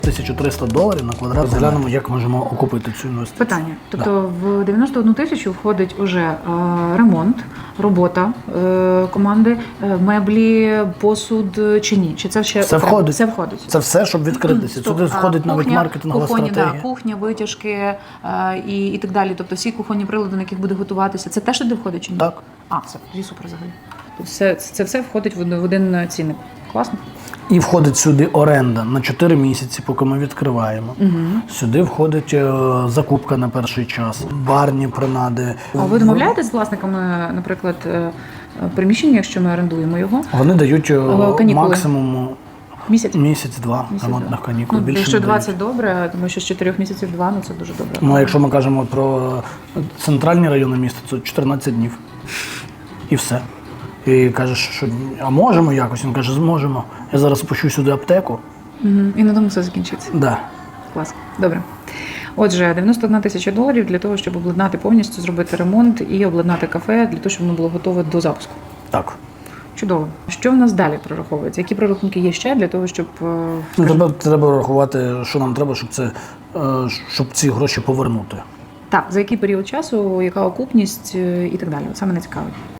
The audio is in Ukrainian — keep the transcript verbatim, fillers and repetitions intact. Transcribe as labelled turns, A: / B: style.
A: тисячу триста доларів на квадрат. Розглянемо, як можемо окупити цю інвестицію.
B: Питання. Тобто да. В дев'яносто одну тисячу входить уже е, ремонт, робота е, команди, е, меблі, посуд чи ні? Чи це ще
A: все входить?
B: Все входить.
A: Це все, щоб відкритися. Сюди входить навіть маркетингова
B: кухонні,
A: стратегія.
B: Да, кухня, витяжки е, і, і так далі. Тобто всі кухонні прилади, на яких буде готуватися. Це теж сюди входить чи ні?
A: Так.
B: А, це тоді супер взагалі. Тобто це, це все входить в один цінник. Класно.
A: І входить сюди оренда на чотири місяці, поки ми відкриваємо. Угу. Сюди входить е, закупка на перший час, барні принади.
B: А ви домовляєтесь з власниками, наприклад, е, приміщення, якщо ми орендуємо його?
A: Вони дають е,
B: канікули.
A: максимум
B: Місяць?
A: Місяць-два
B: Місяць,
A: ремонтних
B: да.
A: канікул.
B: Ну,
A: Більше
B: якщо
A: не
B: двадцять
A: дають.
B: добре, тому що з чотирьох місяців два, ну це дуже добре.
A: Ну, а якщо ми кажемо про центральні райони міста, то чотирнадцять днів. І все. І кажеш, що а можемо якось? Він каже, зможемо. Я зараз пущу сюди аптеку.
B: Угу. І на тому все закінчиться.
A: Да.
B: Клас. Добре. Отже, дев'яносто одна тисяча доларів для того, щоб обладнати повністю, зробити ремонт і обладнати кафе, для того, щоб воно було готове до запуску.
A: Так.
B: Чудово. Що в нас далі прораховується? Які прорахунки є ще для того, щоб...
A: Ну, треба, треба рахувати, що нам треба, щоб, це, щоб ці гроші повернути.
B: Так, за який період часу, яка окупність і так далі. Це мене цікавить.